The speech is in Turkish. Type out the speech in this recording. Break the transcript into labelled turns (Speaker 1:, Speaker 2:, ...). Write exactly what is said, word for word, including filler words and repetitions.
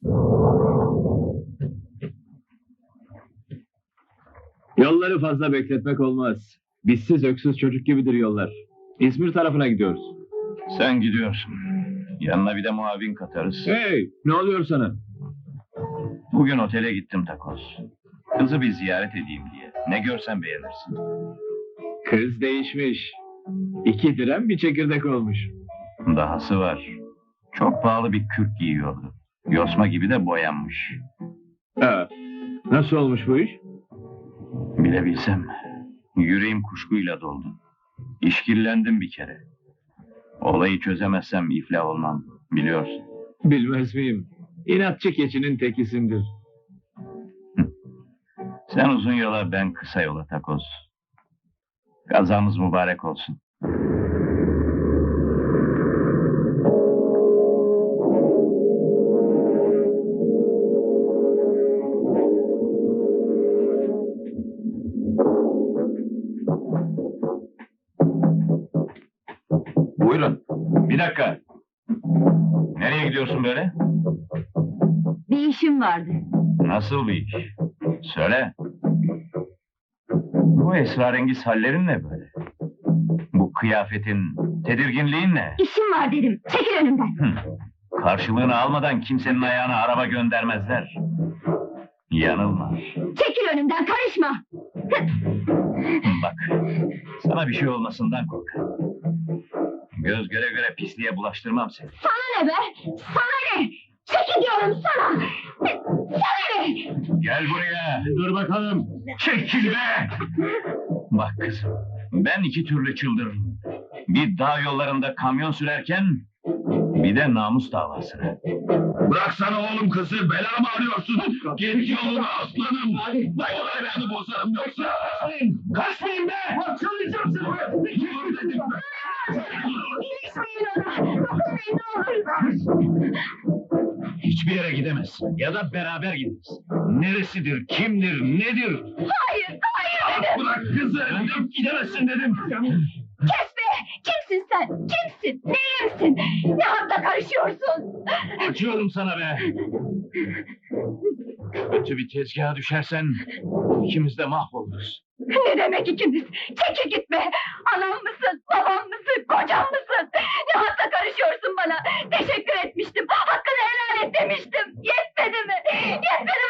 Speaker 1: Yolları fazla bekletmek olmaz. Bizsiz öksüz çocuk gibidir yollar. İzmir tarafına gidiyoruz.
Speaker 2: Sen gidiyorsun. Yanına bir de muavin katarız.
Speaker 1: Hey, ne oluyor sana?
Speaker 2: Bugün otele gittim Takoz. Kızı bir ziyaret edeyim diye. Ne görsen beğenirsin.
Speaker 1: Kız değişmiş. İki direm bir çekirdek olmuş.
Speaker 2: Dahası var. Çok pahalı bir kürk giyiyordu. Yosma gibi de boyanmış.
Speaker 1: Ha, nasıl olmuş bu iş?
Speaker 2: Bilebilsem. Yüreğim kuşkuyla doldu. İşkillendim bir kere. Olayı çözemezsem iflah olmam. Biliyorsun.
Speaker 1: Bilmez miyim? İnatçı keçinin tekisindir.
Speaker 2: Sen uzun yola, ben kısa yola Takoz. Kazamız mübarek olsun. Buyurun. Bir dakika. Nereye gidiyorsun böyle?
Speaker 3: Bir işim vardı.
Speaker 2: Nasıl bir iş? Söyle. Bu esrarengiz hallerin ne böyle? Bu kıyafetin, tedirginliğin ne?
Speaker 3: İşim var dedim. Çekil önümden.
Speaker 2: Hı. Karşılığını almadan kimsenin ayağına araba göndermezler. Yanılma.
Speaker 3: Çekil önümden, karışma.
Speaker 2: Bak, sana bir şey olmasından korkarım. Göz göre göre pisliğe bulaştırmam seni.
Speaker 3: Sana ne be? Sana ne? Çekil diyorum sana. Sana ne?
Speaker 2: Gel buraya.
Speaker 1: Dur bakalım.
Speaker 2: Çekil be! Bak kızım, ben iki türlü çıldırırım. Bir dağ yollarında kamyon sürerken, bir de namus davasını.
Speaker 4: Bıraksana oğlum kızı, bela mı arıyorsun? Git yoluna aslanım. Vallahi beni bozarım yoksa. Kaçmayın be! Çalacağım seni!
Speaker 3: İlişmeyin ona. Dokunmayın ne olur.
Speaker 4: Hiçbir yere gidemezsin. Ya da beraber gideriz. Neresidir, kimdir, nedir?
Speaker 3: Hayır, hayır dedim.
Speaker 4: Bırak kızı, gidemezsin dedim.
Speaker 3: Kes be! Kimsin sen? Kimsin? Neyimsin? Ne hakla karışıyorsun?
Speaker 4: Acıyorum sana be. Kötü bir tezgaha düşersen ikimiz de mahvoluruz.
Speaker 3: Ne demek ikimiz? Çekil gitme! Anam mısın? Babam mısın? Kocam mısın? Ne hakla karışıyorsun bana? Teşekkür etmiştim. Hakkını helal et demiştim. Yetmedi mi? Yetmedi